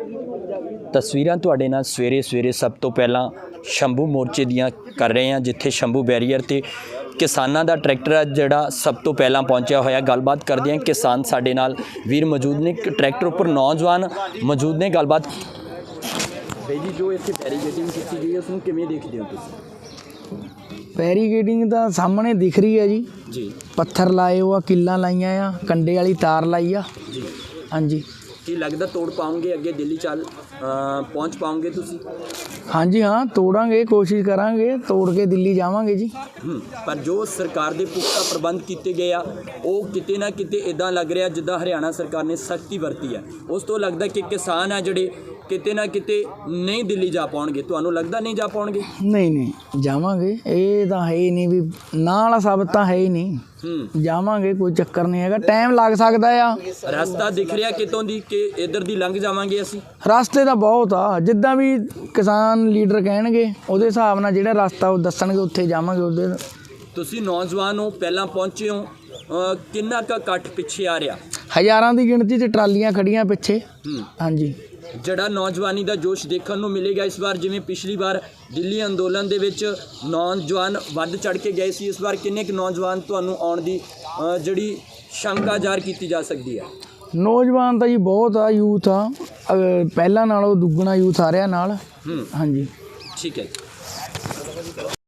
ਤਸਵੀਰਾਂ ਤੁਹਾਡੇ ਨਾਲ ਸਵੇਰੇ ਸਭ ਤੋਂ ਪਹਿਲਾਂ ਸ਼ੰਭੂ ਮੋਰਚੇ ਦੀਆਂ ਕਰ ਰਹੇ ਹਾਂ, ਜਿੱਥੇ ਸ਼ੰਭੂ ਬੈਰੀਅਰ ਤੇ ਕਿਸਾਨਾਂ ਦਾ ਟਰੈਕਟਰ ਜਿਹੜਾ ਸਭ ਤੋਂ ਪਹਿਲਾਂ ਪਹੁੰਚਿਆ ਹੋਇਆ। ਗੱਲਬਾਤ ਕਰਦੇ ਹਾਂ, ਕਿਸਾਨ ਸਾਡੇ ਨਾਲ ਵੀਰ ਮੌਜੂਦ ਨੇ, ਟਰੈਕਟਰ ਉੱਪਰ ਨੌਜਵਾਨ ਮੌਜੂਦ ਨੇ। ਗੱਲਬਾਤ ਬਾਈ ਜੀ, ਜੋ ਇੱਥੇ ਬੈਰੀਕੇਡਿੰਗ ਕੀਤੀ ਗਈ ਹੈ ਉਸ ਨੂੰ ਕਿਵੇਂ ਦੇਖਦੇ ਹੋ ਤੁਸੀਂ? ਬੈਰੀਕੇਡਿੰਗ ਤਾਂ ਸਾਹਮਣੇ ਦਿਖ ਰਹੀ ਹੈ ਜੀ। ਪੱਥਰ ਲਾਏ ਹੋ ਆ, ਕਿੱਲਾਂ ਲਾਈਆਂ ਆ, ਕੰਡੇ ਵਾਲੀ ਤਾਰ ਲਾਈ ਆ ਜੀ। ਹਾਂਜੀ, ਕੀ ਲੱਗਦਾ ਤੋੜ ਪਾਉਂਗੇ ਅੱਗੇ ਦਿੱਲੀ ਚੱਲ ਪਹੁੰਚ ਪਾਉਂਗੇ ਤੁਸੀਂ? ਹਾਂਜੀ ਹਾਂ, ਤੋੜਾਂਗੇ, ਕੋਸ਼ਿਸ਼ ਕਰਾਂਗੇ, ਤੋੜ ਕੇ ਦਿੱਲੀ ਜਾਵਾਂਗੇ ਜੀ। ਪਰ ਜੋ ਸਰਕਾਰ ਦੇ ਪੁਖਤਾ ਪ੍ਰਬੰਧ ਕੀਤੇ ਗਏ ਆ, ਉਹ ਕਿਤੇ ਨਾ ਕਿਤੇ ਇੱਦਾਂ ਲੱਗ ਰਿਹਾ ਜਿੱਦਾਂ ਹਰਿਆਣਾ ਸਰਕਾਰ ਨੇ ਸਖਤੀ ਵਰਤੀ ਹੈ। ਉਸ ਤੋਂ ਲੱਗਦਾ ਕਿ ਕਿਸਾਨ ਆ ਜਿਹੜੇ ਕਿਤੇ ਨਾ ਕਿਤੇ ਨਹੀਂ ਦਿੱਲੀ ਜਾ ਪਾਉਣਗੇ। ਤੁਹਾਨੂੰ ਲੱਗਦਾ ਨਹੀਂ ਜਾ ਪਾਉਣਗੇ? ਨਹੀਂ ਜਾਵਾਂਗੇ, ਇਹ ਤਾਂ ਹੈ ਹੀ ਨਹੀਂ ਵੀ ਨਾ ਵਾਲਾ ਸਾਬਤ ਤਾਂ ਹੈ ਹੀ ਨਹੀਂ। ਜਾਵਾਂਗੇ, ਕੋਈ ਚੱਕਰ ਨਹੀਂ ਹੈਗਾ, ਟਾਈਮ ਲੱਗ ਸਕਦਾ ਆ। ਰਸਤਾ ਦਿਖ ਰਿਹਾ ਕਿਤੋਂ ਦੀ ਕਿ ਇੱਧਰ ਦੀ ਲੰਘ ਜਾਵਾਂਗੇ ਅਸੀਂ? ਰਸਤੇ ਤਾਂ ਬਹੁਤ ਆ, ਜਿੱਦਾਂ ਵੀ ਕਿਸਾਨ ਲੀਡਰ ਕਹਿਣਗੇ ਉਹਦੇ ਹਿਸਾਬ ਨਾਲ ਜਿਹੜਾ ਰਸਤਾ ਉਹ ਦੱਸਣਗੇ ਉੱਥੇ ਜਾਵਾਂਗੇ। ਉਹਦੇ ਤੁਸੀਂ ਨੌਜਵਾਨ ਹੋ, ਪਹਿਲਾਂ ਪਹੁੰਚੇ ਹੋ, ਕਿੰਨਾ ਕੁ ਇਕੱਠ ਪਿੱਛੇ ਆ ਰਿਹਾ? ਹਜ਼ਾਰਾਂ ਦੀ ਗਿਣਤੀ 'ਚ ਟਰਾਲੀਆਂ ਖੜੀਆਂ ਪਿੱਛੇ। ਹਾਂਜੀ, ਜਿਹੜਾ ਨੌਜਵਾਨੀ ਦਾ ਜੋਸ਼ ਦੇਖਣ ਨੂੰ ਮਿਲੇਗਾ ਇਸ ਵਾਰ, ਜਿਵੇਂ ਪਿਛਲੀ ਵਾਰ ਦਿੱਲੀ ਅੰਦੋਲਨ ਦੇ ਵਿੱਚ ਨੌਜਵਾਨ ਵੱਧ ਚੜ੍ਹ ਕੇ ਗਏ ਸੀ, ਇਸ ਵਾਰ ਕਿੰਨੇ ਕੁ ਨੌਜਵਾਨ ਤੁਹਾਨੂੰ ਆਉਣ ਦੀ ਜਿਹੜੀ ਸ਼ੰਕਾ ਜ਼ਾਹਰ ਕੀਤੀ ਜਾ ਸਕਦੀ ਹੈ? ਨੌਜਵਾਨ ਤਾਂ ਜੀ ਬਹੁਤ ਆ, ਯੂਥ ਆ, ਪਹਿਲਾਂ ਨਾਲੋਂ ਦੁੱਗਣਾ ਯੂਥ ਆ ਰਿਹਾ ਨਾਲ। ਹਾਂਜੀ, ਠੀਕ ਹੈ।